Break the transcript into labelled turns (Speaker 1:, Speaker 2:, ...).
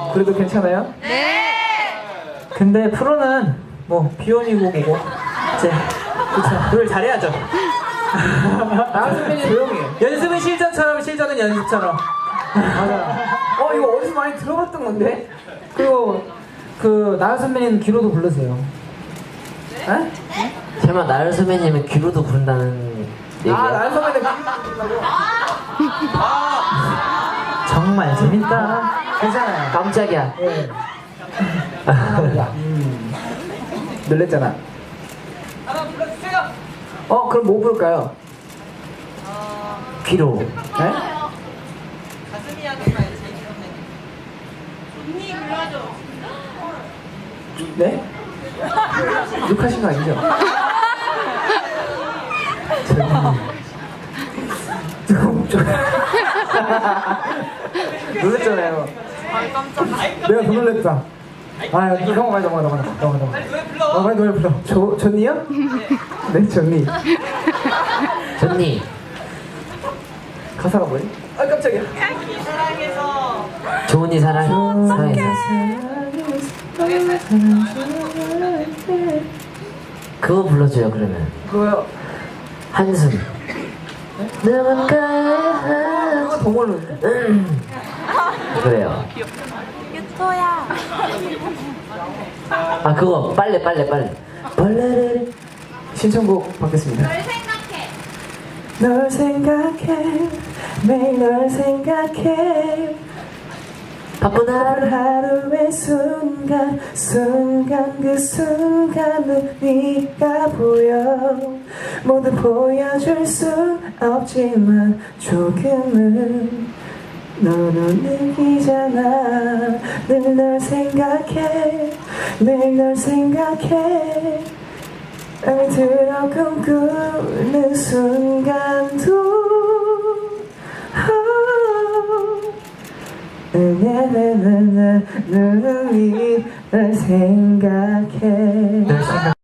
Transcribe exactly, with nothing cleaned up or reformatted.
Speaker 1: 그래도 괜찮아요?
Speaker 2: 네.
Speaker 1: 근데 프로는 뭐 비혼이고 뭐고 이제 그쵸 노래 잘해야죠. 나은 선배님 조용히 해. 연습은 실전처럼 실전은 연습처럼. 맞아. 어 이거 어디서 많이 들어봤던 건데? 그리고 그 나은 선배님 귀로도 부르세요. 네?
Speaker 3: 설마 나연 선배님은 귀로도 부른다는 얘기야?
Speaker 1: 아 나은 선배님 정말 재밌다. 괜찮아요.
Speaker 3: 깜짝이야.
Speaker 1: 네. 음. 놀랬잖아.
Speaker 2: 한번 불러주세요.
Speaker 1: 어 그럼 뭐 부를까요?
Speaker 3: 귀로.
Speaker 1: 네?
Speaker 2: 가슴이 하는 말 제일 좋네. 언니 불러줘.
Speaker 1: 네? 욕하신 거 아니죠? 조금 좀 놀랬잖아요.
Speaker 2: 아 깜짝이야.
Speaker 1: 내가 더 놀랬다. 아, 형 빨리 넘어가 넘어가 넘어가 넘어가.
Speaker 2: 빨리 노래 불러.
Speaker 1: 어, 빨리 노래 불러. 조 존니요? 네, 존니.
Speaker 3: 존니.
Speaker 1: 가사가 뭐지? 아 깜짝이야.
Speaker 2: 사랑해서.
Speaker 3: 좋은이 사랑. 사랑해서. 그거 불러줘요 그러면.
Speaker 1: 그거요.
Speaker 3: 한숨. 누군가.
Speaker 1: 그거 더 모르는데?
Speaker 3: 음. 그래요.
Speaker 2: 유토야.
Speaker 3: 아 그거 빨래 빨래 빨래. 빨래를.
Speaker 1: 신청곡 받겠습니다.
Speaker 2: 널 생각해.
Speaker 1: 널 생각해 매일 널 생각해
Speaker 3: 바쁜 하루.
Speaker 1: 하루의 순간 순간 그 순간은 네가 보여 모두 보여줄 수 없지만 조금은 너로 느끼잖아 늘 널 생각해 늘 널 생각해 날 들어 꿈꾸는 순간도 나나나나 눈이 널 생각해